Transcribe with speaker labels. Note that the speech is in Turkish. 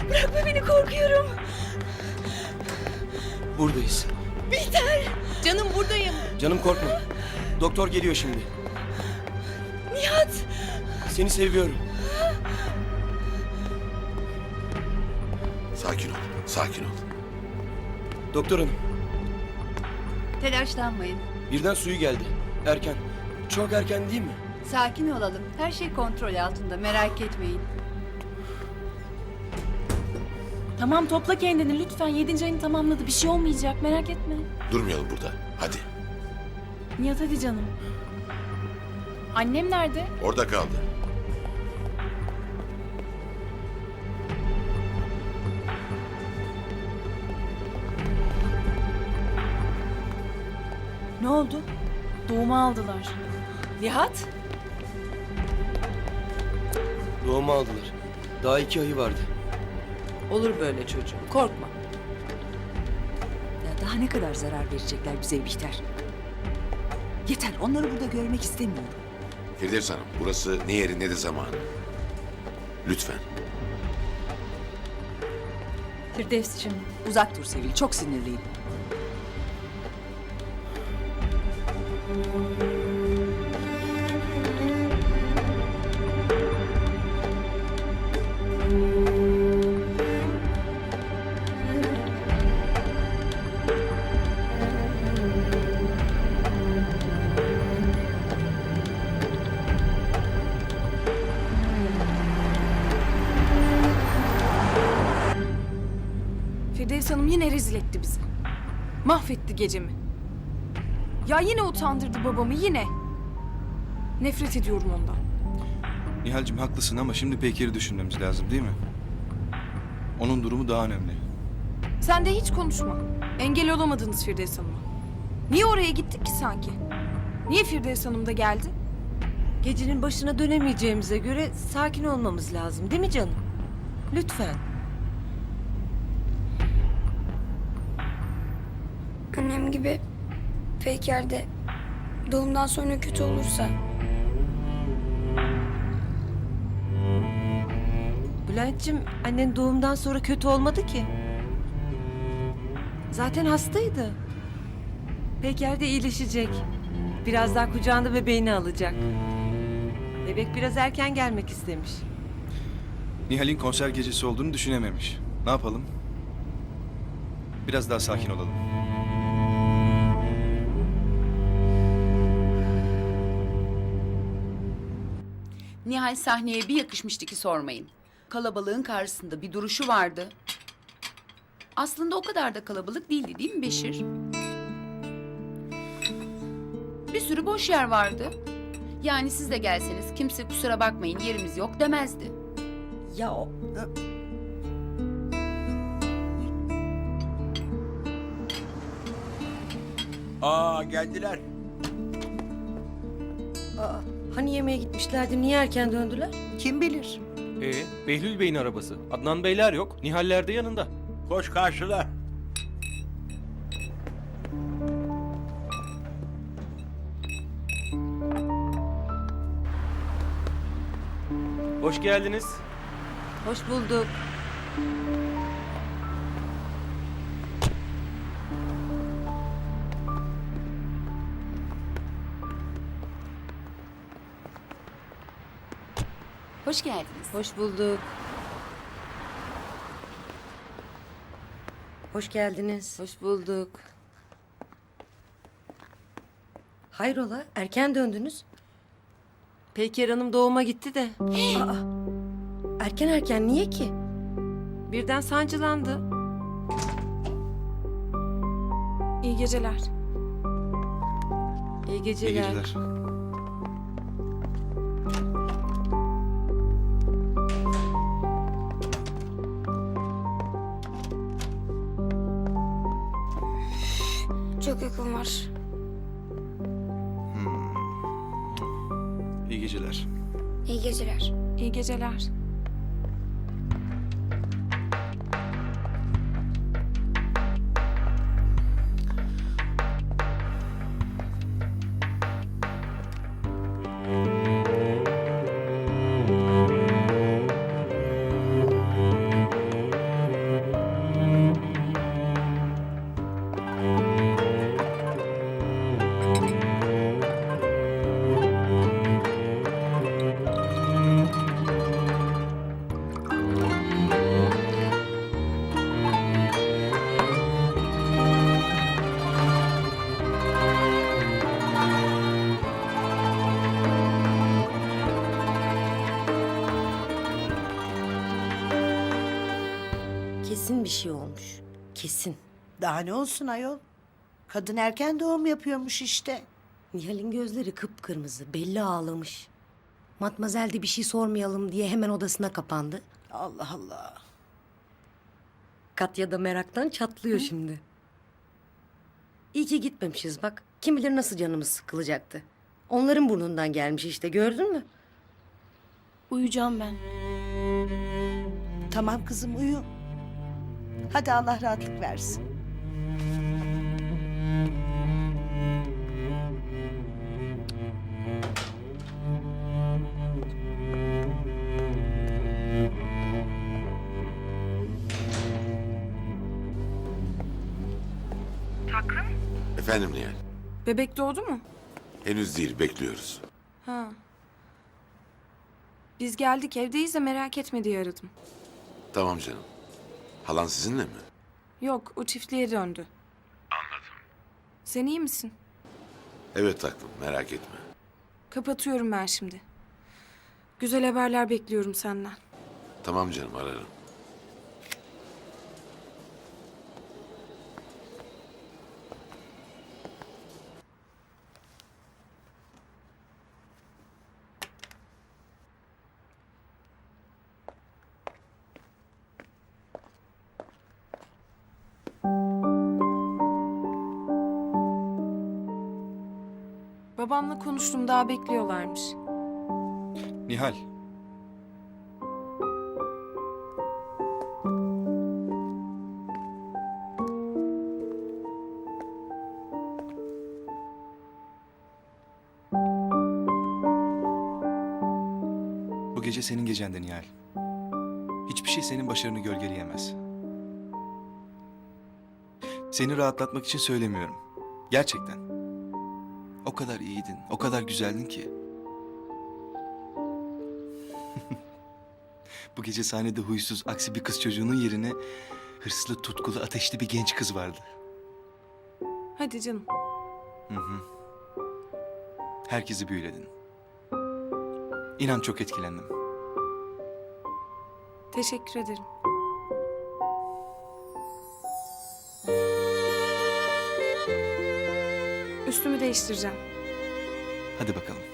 Speaker 1: Bırakma beni, korkuyorum.
Speaker 2: Buradayız.
Speaker 1: Bihter.
Speaker 3: Canım buradayım.
Speaker 2: Canım korkma. Doktor geliyor şimdi.
Speaker 1: Nihat.
Speaker 2: Seni seviyorum.
Speaker 4: Sakin ol, sakin ol.
Speaker 2: Doktor hanım,
Speaker 5: Telaşlanmayın.
Speaker 2: birden suyu geldi. Erken. Çok erken değil mi?
Speaker 5: Sakin olalım. Her şey kontrol altında. Merak etmeyin.
Speaker 3: Tamam, topla kendini lütfen. 7. ayını tamamladı. Bir şey olmayacak, merak etme.
Speaker 4: Durmayalım burada. Hadi.
Speaker 3: Nihat hadi canım. Annem nerede?
Speaker 4: Orada kaldı.
Speaker 3: Ne oldu? Doğuma aldılar.
Speaker 1: Nihat.
Speaker 2: Doğumu aldılar. Daha 2 ayı vardı.
Speaker 1: Olur böyle çocuğum, korkma.
Speaker 6: Ya daha ne kadar zarar verecekler bize Bihter? Yeter, onları burada görmek istemiyorum.
Speaker 4: Firdevs Hanım, burası ne yeri ne de zamanı. Lütfen.
Speaker 3: Firdevs'cim.
Speaker 6: Uzak dur Sevil, çok sinirliyim.
Speaker 3: Firdevs Hanım yine rezil etti bizi. Mahvetti gecemi. Ya yine utandırdı babamı, yine. Nefret ediyorum ondan.
Speaker 7: Nihal'cim haklısın ama şimdi Bekir'i düşünmemiz lazım değil mi? Onun durumu daha önemli.
Speaker 3: Sen de hiç konuşma. Engel olamadınız Firdevs Hanım'a. Niye oraya gittik ki sanki? Niye Firdevs Hanım da geldi?
Speaker 1: Gecenin başına dönemeyeceğimize göre sakin olmamız lazım, değil mi canım? Lütfen.
Speaker 8: Annem gibi Peyker de doğumdan sonra kötü olursa
Speaker 1: Bülent'ciğim, annen doğumdan sonra kötü olmadı ki. Zaten hastaydı. Peker de iyileşecek. Birazdan kucağında bebeğini alacak. Bebek biraz erken gelmek istemiş.
Speaker 7: Nihal'in konser gecesi olduğunu düşünememiş. Ne yapalım? Biraz daha sakin olalım.
Speaker 9: Nihal sahneye bir yakışmıştı ki sormayın. Kalabalığın karşısında bir duruşu vardı. Aslında o kadar da kalabalık değildi değil mi Beşir? Bir sürü boş yer vardı. Yani siz de gelseniz kimse kusura bakmayın yerimiz yok demezdi.
Speaker 1: Ya o...
Speaker 10: Aa geldiler.
Speaker 1: Aa, hani yemeğe gitmişlerdi, niye erken döndüler?
Speaker 6: Kim bilir?
Speaker 11: Behlül Bey'in arabası. Adnan Beyler yok. Nihaller de yanında.
Speaker 10: Koş karşıla.
Speaker 11: Hoş geldiniz.
Speaker 1: Hoş bulduk.
Speaker 9: Hoş geldiniz.
Speaker 1: Hoş bulduk. Hoş geldiniz. Hoş bulduk. Hayrola, erken döndünüz? Peyker Hanım doğuma gitti de. Aa, erken niye ki? Birden sancılandı.
Speaker 3: İyi geceler.
Speaker 1: İyi geceler.
Speaker 7: İyi geceler.
Speaker 8: çok yakın var.
Speaker 7: İyi geceler.
Speaker 8: İyi geceler.
Speaker 3: İyi geceler.
Speaker 12: Kesin bir şey olmuş. Kesin.
Speaker 6: Daha ne olsun ayol? Kadın erken doğum yapıyormuş işte.
Speaker 12: Nihal'in gözleri kıpkırmızı. Belli ağlamış. Matmazel de bir şey sormayalım diye hemen odasına kapandı.
Speaker 6: Allah Allah.
Speaker 12: Katya da meraktan çatlıyor şimdi. İyi ki gitmemişiz bak. Kim bilir nasıl canımız sıkılacaktı. Onların burnundan gelmiş işte, gördün mü?
Speaker 8: Uyuyacağım ben.
Speaker 6: Tamam kızım uyu. Hadi Allah rahatlık versin.
Speaker 4: Efendim Nihal?
Speaker 3: Bebek doğdu mu?
Speaker 4: Henüz değil, bekliyoruz.
Speaker 3: Ha. Biz geldik, evdeyiz de merak etme diye aradım.
Speaker 4: Tamam canım. Halan sizinle mi?
Speaker 3: Yok, o çiftliğe döndü. Anladım. Sen iyi misin?
Speaker 4: Evet tatlım, merak etme.
Speaker 3: Kapatıyorum ben şimdi. Güzel haberler bekliyorum senden.
Speaker 4: Tamam canım, ararım.
Speaker 3: Babamla konuştum, daha bekliyorlarmış.
Speaker 7: Nihal. Bu gece senin gecen de Nihal. Hiçbir şey senin başarını gölgeleyemez. Seni rahatlatmak için söylemiyorum. Gerçekten. O kadar iyiydin, o kadar güzeldin ki. Bu gece sahnede huysuz, aksi bir kız çocuğunun yerine hırslı, tutkulu, ateşli bir genç kız vardı.
Speaker 3: Hadi canım.
Speaker 7: Herkesi büyüledin. İnan çok etkilendim.
Speaker 3: Teşekkür ederim. Üstümü değiştireceğim.
Speaker 7: Hadi bakalım.